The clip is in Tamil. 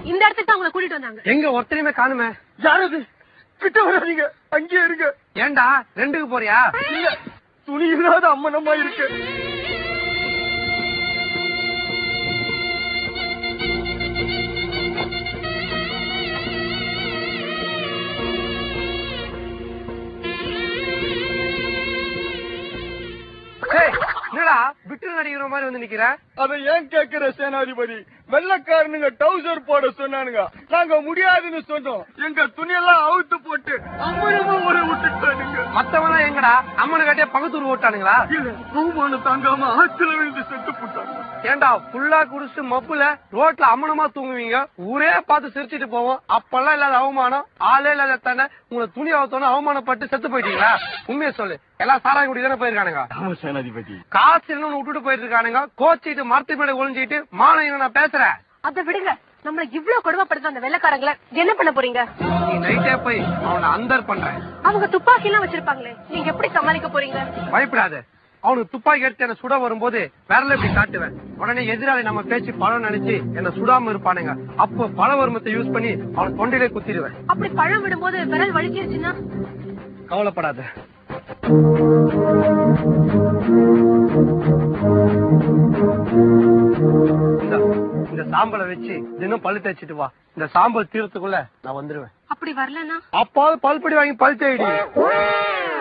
இந்த இடத்துக்கு தான் உங்களை கூட்டிட்டு வந்தாங்க. எங்க ஒருத்தரையுமே காணுமே. யாரது? கிட்ட வராதீங்க, அங்கேயே இருங்க. ஏண்டா 2க்கு போறியா? இல்ல, துணி இல்லாத அம்மனமா இருக்கு. என்னடா விட்டு நடிக்கிற மாதிரி வந்து நிக்கிற? அதை ஏன் கேக்குற சேனாதிபதி? வெள்ளக்காரனுங்க டவுசர் போட சொன்னானுங்க, நாங்க முடியாதுன்னு சொன்னோம். எங்க துணியெல்லாம் அவுத்து போட்டு அம்மனமா ஒரு விட்டுட்டானுங்க. மத்தவனா எங்கடா அம்மனு கட்டிய பக்கத்தூர் ஓட்டானுங்களா? அவமானம் தாங்காம ஆத்துல விழுந்து செத்து போட்டாங்க. ஏண்டா புல்லா குடிச்சு மப்புல ரோட்ல அம்மனமா தூங்குவீங்க, ஊரே பார்த்து சிரிச்சிட்டு போவோம். அப்பெல்லாம் இல்லாத அவமானம், ஆளே இல்லாத தானே உங்களை துணி அவுத்தோன்னு அவமானப்பட்டு செத்து போயிட்டீங்களா? உண்மையை சொல்லு, எல்லாம் சாராய குடி தானே போயிருக்கானுங்க. சேனாதிபதி காசு இன்னொன்னு விட்டுட்டு போயிட்டு இருக்கானுங்க. கோச்சிட்டு மரத்து மேல ஒளிஞ்சிட்டு மானம் நான் பேசுறேன். அதை விடுங்க, நம்மள இவ்வளவு கொடுமைப்படுத்த அந்த வெள்ளக்காரங்களை என்ன பண்ண போறீங்க? நீ நைட்டே போய் அவனை அந்தர் பண்றேன். அவங்க துப்பாக்கி எல்லாம் வச்சிருப்பாங்களே, நீங்க எப்படி சமாளிக்க போறீங்க? பயப்படாத, அவனுக்கு துப்பாக்கி எடுத்து என்ன சுட வரும்போது விரல இப்படி காட்டுவேன். உடனே எதிராளி நம்ம பேச்சு பழம் நினைச்சு என்ன சுடாம இருப்பானுங்க. அப்போ பழ வருமத்தை யூஸ் பண்ணி அவன் தொண்டையிலே குத்திடுவேன். அப்படி பழம் விடும்போது விரல் வலிச்சிருச்சுன்னா? கவலைப்படாத. இந்த சாம்பலை வச்சு தினம் பழு தேய்ச்சிட்டு வா. இந்த சாம்பல் தீரத்துக்குள்ள நான் வந்துருவேன். அப்படி வரலன்னா? அப்பாவது பல்படி வாங்கி பழு தேடி.